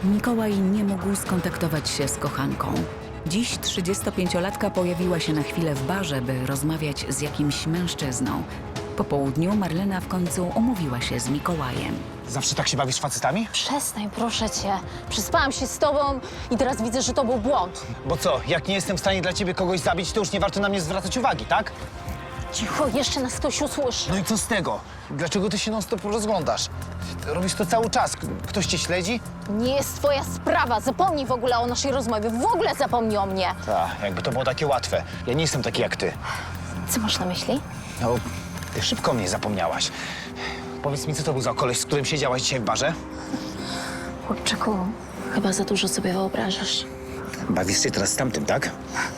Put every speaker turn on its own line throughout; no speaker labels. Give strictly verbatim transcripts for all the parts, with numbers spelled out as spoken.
Mikołaj nie mógł skontaktować się z kochanką. Dziś trzydziestopięciolatka pojawiła się na chwilę w barze, by rozmawiać z jakimś mężczyzną. Po południu Marlena w końcu umówiła się z Mikołajem.
Zawsze tak się bawisz z facetami?
Przestań, proszę cię. Przespałam się z tobą i teraz widzę, że to był błąd.
Bo co, jak nie jestem w stanie dla ciebie kogoś zabić, to już nie warto na mnie zwracać uwagi, tak?
Cicho, jeszcze nas ktoś usłyszy.
No i co z tego? Dlaczego ty się non-stop rozglądasz? Robisz to cały czas. K- Ktoś cię śledzi?
Nie jest twoja sprawa. Zapomnij w ogóle o naszej rozmowie. W ogóle zapomnij o mnie.
Tak, jakby to było takie łatwe. Ja nie jestem taki jak ty.
Co masz na myśli?
No, ty szybko mnie zapomniałaś. Powiedz mi, co to był za koleś, z którym siedziałaś dzisiaj w barze?
Chłopczyku, chyba za dużo sobie wyobrażasz.
Bawisz się teraz z tamtym, tak?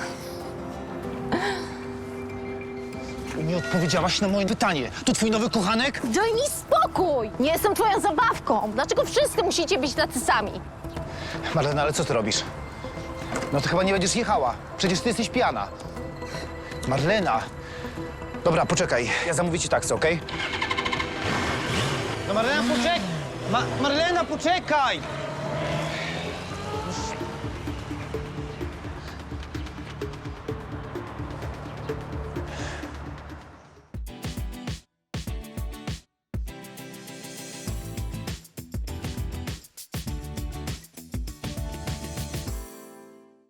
Nie odpowiedziałaś na moje pytanie. To twój nowy kochanek?
Daj mi spokój! Nie jestem twoją zabawką. Dlaczego wszyscy musicie być tacy sami?
Marlena, ale co ty robisz? No to chyba nie będziesz jechała. Przecież ty jesteś pijana. Marlena. Dobra, poczekaj. Ja zamówię ci taksę, okej? No Marlena, poczekaj! Ma Marlena, poczekaj!